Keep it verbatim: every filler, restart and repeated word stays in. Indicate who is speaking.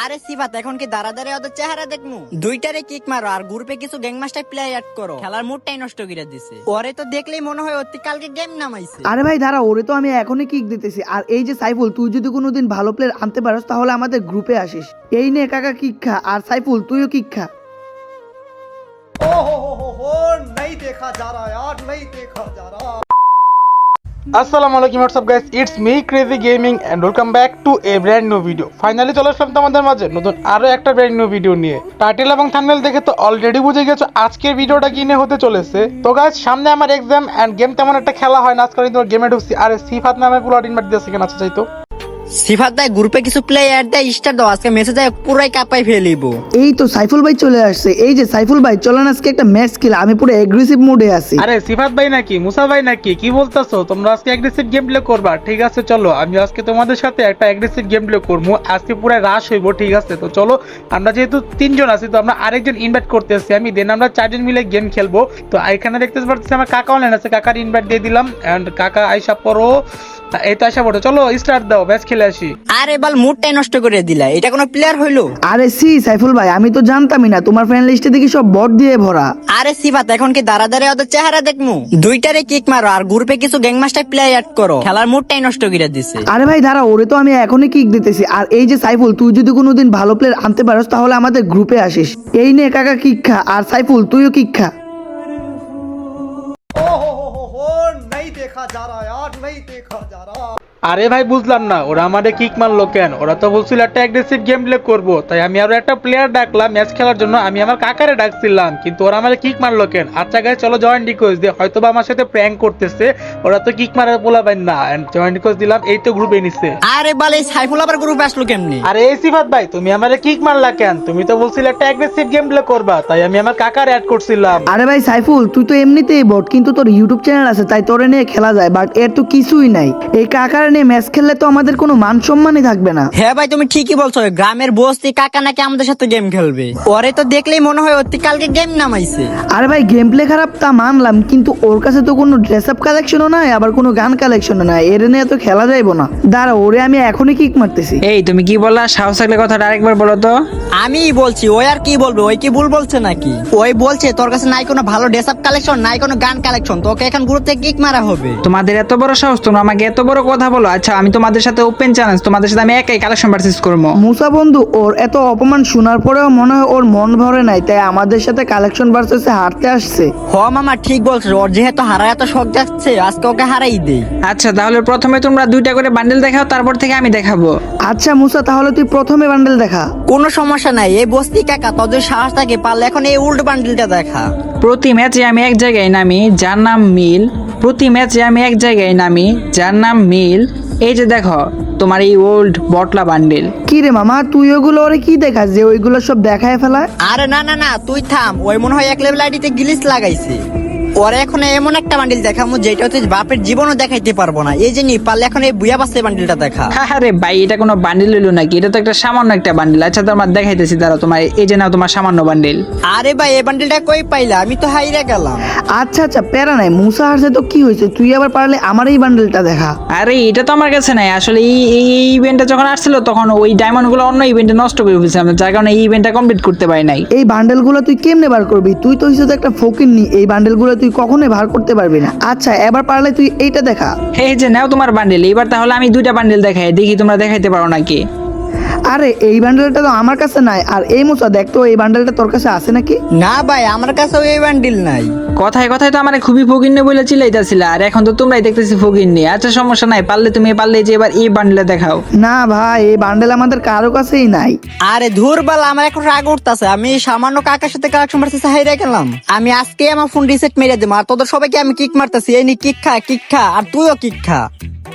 Speaker 1: আরে সিফাত এখন কি দাঁড়া দাঁড়িয়ে ওদের চেহারা দেখমু? দুইটারে কিক মারো আর গ্রুপে কিছু গ্যাংমাস্টার প্লেয়ার অ্যাড করো। খেলার মুডটাই নষ্ট করে দিছে। ওরে তো দেখলেই মনে হয় অতি কালকে গেম নামাইছে।
Speaker 2: আরে ভাই দাঁড়া, ওরে তো আমি এখনই কিক দিতেছি। আর এই যে সাইফুল, তুই যদি কোনোদিন ভালো প্লেয়ার আনতে পারস তাহলে আমাদের গ্রুপে আসিস। এই নে কাকা কিক খা, আর সাইফুল তুইও কিক খা।
Speaker 3: ओ हो हो हो हो नहीं देखा जा रहा यार, नहीं देखा जा रहा।
Speaker 4: আসসালামু আলাইকুম what's up guys, it's me Crazy Gaming and welcome back to a brand new video. Finally চলে আসলাম তোমাদের মাঝে নতুন আরো একটা ব্র্যান্ড নিউ ভিডিও নিয়ে। টাইটেল এবং থাম্বনেল দেখে তো অলরেডি বুঝে গেছো আজকের ভিডিওটা কি নিয়ে হতে চলেছে। তো গাইস সামনে আমার এক্সাম এন্ড গেম তেমন একটা খেলা হয় না, আজকে আমি তোমার গেমে ঢুকছি। আরে সিফাত নামে পুরো ইনভাইট দিয়েছে কেন? আচ্ছা চাইতো
Speaker 1: সিফাত ভাই গ্রুপে কিছু প্লেয়ার দেয়, স্টার দাও, আজকে মেসেজ আয় পুরাই কাপাই ফেলিব।
Speaker 2: এই তো সাইফুল ভাই চলে আসছে। এই যে সাইফুল ভাই, চলেন আজকে একটা ম্যাচ খেলা। আমি পুরো এগ্রেসিভ মুডে আছি।
Speaker 4: আরে সিফাত ভাই নাকি মুসা ভাই নাকি কি বলতেছো? তোমরা আজকে অ্যাগ্রেসিভ গেম প্লে করবা? ঠিক আছে চলো, আমি আজকে তোমাদের সাথে একটা অ্যাগ্রেসিভ গেম প্লে করবো। আজকে পুরো রাশ হইব, ঠিক আছে? তো চলো, আমরা যেহেতু তিনজন আছি তো আমরা আরেকজন ইনভাইট করতেছি আমি, দেন আমরা চারজন মিলে গেম খেলবো। তো এখানে দেখতে পাচ্ছি আমার কাকা অনলাইন আছে, কাকার ইনভাইট দিয়ে দিলাম এন্ড কাকা আইসা পড়ো। এই তো আইসা পড়ো, চলো স্টার্ট দাও, ম্যাচ খেলে আসি।
Speaker 1: আরে বাল মুডটাই নষ্ট করে দিলা, এটা কোনো প্লেয়ার হইলো?
Speaker 2: আরে সি সাইফুল ভাই, আমি তো জানতামই না তোমার ফ্রেন্ড লিস্টে দেখি সব বট দিয়ে ভরা।
Speaker 1: আরে সিফাত এখন কি দাঁড়া দাঁড়িয়ে ওদের চেহারা দেখমু? দুইটারে কিক মারো আর গ্রুপে কিছু গ্যাংমাস্টার প্লেয়ার অ্যাড করো। খেলার মুডটাই নষ্ট করে দিছে।
Speaker 2: আরে ভাই দাঁড়া, ওরে তো আমি এখনই কিক দিতেছি। আর এই যে সাইফুল, তুই যদি কোনোদিন ভালো প্লেয়ার আনতে পারস তাহলে আমাদের গ্রুপে আসিস। এই নে কাকা কিক খা, আর সাইফুল তুইও কিক খা।
Speaker 3: ओ हो हो हो हो नहीं देखा जा रहा यार, नहीं देखा जा रहा।
Speaker 4: আরে ভাই বুঝলাম না, ওরা আমাদের কিক মারলো কেন? ওরা তো বলছিল একটা অ্যাগ্রেসিভ গেম প্লে করবো, তাই আমি আরো একটা প্লেয়ার ডাকলাম ম্যাচ খেলার জন্য। আমি আমার কাকারে ডাকছিলাম, কিন্তু ওরা আমাদের কিক মারলো কেন? আচ্ছা গাইস চলো জয়েন রিকোয়েস্ট দিয়ে, হয়তো বা আমার সাথে প্র্যাঙ্ক করতেছে। ওরা তো কিক মারার বলাবেন না, এন্ড জয়েন রিকোয়েস্ট দিলাম, এই তো গ্রুপে নিচ্ছে।
Speaker 1: আরে বাল এই সাইফুল আবার গ্রুপে আসলো কেমনি?
Speaker 4: আরে এই সিফাত ভাই, তুমি আমাদের কিক মারলা কেন? তুমি তো বলছিলে একটা অ্যাগ্রেসিভ গেম প্লে করবা, তাই আমি আমার কাকার অ্যাড করছিলাম।
Speaker 2: আরে ভাই সাইফুল, তুই তো এমনিতেই বট, কিন্তু তোর ইউটিউব চ্যানেল আছে তাই তোরে নিয়ে খেলা যায়। বাট এর তো কিছুই নাই। এই কাকার নিয়ে ম্যাচ খেললে তো আমাদের কোনো মান সম্মানই থাকবে না।
Speaker 1: হ্যাঁ ভাই তুমি ঠিকই বলছো, গ্রামের বস্তি কাকা নাকি আমাদের সাথে গেম খেলবে। ওরে তো দেখলেই মনে হয় অতি কালকে গেম নামাইছে।
Speaker 2: আরে ভাই গেম প্লে খারাপ তা মানলাম, কিন্তু ওর কাছে তো কোনো ড্রেস আপ কালেকশনও নাই, আবার কোনো গান কালেকশনও নাই। এর নিয়ে তো খেলা যাইবো না। দাঁড়া, ওরে আমি এখনই কিক মারতেছি।
Speaker 5: এই তুমি কি বললা? সাহস থাকলে কথাটা আরেকবার বলো তো।
Speaker 1: আমি বলছি, ওই আর কি বলবে? ওই কি ভুল বলছে নাকি? ওই বলছে তোর কাছে নাই কোনো ভালো ড্রেস আপ কালেকশন, নাই কোনো গান কালেকশন, তোকে এখন গ্রুপ থেকে কিক মারা হবে।
Speaker 5: তোমাদের এত বড় সাহস, তোমরা আমাকে এত বড় কথা বলো? আচ্ছা আমি তোমাদের সাথে ওপেন চ্যালেঞ্জ, তোমাদের সাথে আমি একাই কালেকশন পারচেজ করবো।
Speaker 2: মুসা বন্ধু, ওর এত অপমান শোনার পরেও মনে হয় ওর মন ভরে নাই, তাই আমাদের সাথে কালেকশন ভার্সেসে হারতে আসছে।
Speaker 1: হ মামা ঠিক বলছো, ওর যেহেতু হারা এত শখ যাচ্ছে, আজকে ওকে হারাই দেই।
Speaker 5: আচ্ছা তাহলে প্রথমে তোমরা দুইটা করে বান্ডেল দেখাও, তারপর থেকে আমি দেখাবো।
Speaker 2: আচ্ছা মুসা, তাহলে তুই প্রথমে বান্ডেল দেখা।
Speaker 1: কোনো সমস্যা নাই, এই বস্তি কাকা তোদের সাহস থাকে পারলে এখন এই উল্টো বান্ডিলটা দেখা।
Speaker 5: প্রতি ম্যাচে আমি এক জায়গায় নামি, যার নাম মিল। প্রতি ম্যাচে আমি এক জায়গায় নামি, যার নাম মিল। এই যে দেখো তোমার এই ওল্ড বটলা বান্ডেল।
Speaker 2: কি রে মামা, তুই ওগুলো ওরে কি দেখাস যে ওইগুলো সব দেখায় ফেলায়?
Speaker 1: আরে না না না তুই থাম, ওই মনে হয় এক লেভেল আইডিতে গ্লিচ লাগাইছে। ওরে এখন এমন একটা বান্ডিল দেখামু যেটা তুই বাপের জীবনও দেখাইতে পারবো না। এই যে নি পারলে এখন এই বুয়া বাসে বান্ডিলটা দেখা।
Speaker 5: আরে ভাই এটা কোনো বান্ডেল হইলো নাকি? এটা তো একটা সামান্য একটা বান্ডেল। আচ্ছা তোমার দেখাইতেছি, দাঁড়াও তোমার এই যে নাও তোমার সামান্য বান্ডেল।
Speaker 1: আরে ভাই এই বান্ডিলটা কই পাইলা? আমি তো হাইরা গেলাম।
Speaker 2: আচ্ছা আচ্ছা প্যারা নাই, মুসা হারছে তো কি হয়েছে, তুই আবার পারলে আমার এই বান্ডেলটা দেখা।
Speaker 5: আরে এটা তো আমার কাছে নাই আসলে। এই এই ইভেন্টটা যখন আসছিল তখন ওই ডায়মন্ড গুলো অন্য ইভেন্টে নষ্ট করে ফেলছিলাম, যার কারণে এই ইভেন্টটা কমপ্লিট করতে পারি নাই।
Speaker 2: এই বান্ডেল গুলো তুই কেমনে বার করবি? তুই তো হিসেবে একটা ফকির নি, এই বান্ডেল গুলো তুই কখনোই বার করতে পারবি না। আচ্ছা এবার পারলে তুই এইটা দেখা।
Speaker 5: এই যে নাও তোমার বান্ডেল। এবার তাহলে আমি দুইটা বান্ডেল দেখাই, দেখি তোমরা দেখাইতে পারো নাকি।
Speaker 2: আরে এই বান্ডেলটা তো আমার কাছে নাই। আর এই মুসা দেখ তো, এই বান্ডেলটা তোর কাছে আছে নাকি?
Speaker 1: না ভাই আমার কাছে এই বান্ডিল নাই।
Speaker 5: কথায় কথায় তো আমার খুবই ফকিন্নি বলে চিল্লাইতেছিল, আর এখন তো তোমরাই দেখতেছি ফকিন্নি। আচ্ছা সমস্যা নাই, পারলে তুমি পারলে যে এবার এই বান্ডেলটা দেখাও।
Speaker 2: না ভাই, এই বান্ডেল আমাদের কারো কাছেই নাই।
Speaker 1: আরে ধুর বাল, আমার এখন রাগ উঠতাছে। আমি সামান্য কাকার সাথে কালেকশন ভার্সেসে হাইরা গেলাম। আমি আজকে আমার ফোন রিসেট মেরে দেবো, আর তোদের সবাইকে আমি কিক মারতেছি। এই নি কিক খা, কিক খা, আর তুইও কিক খা।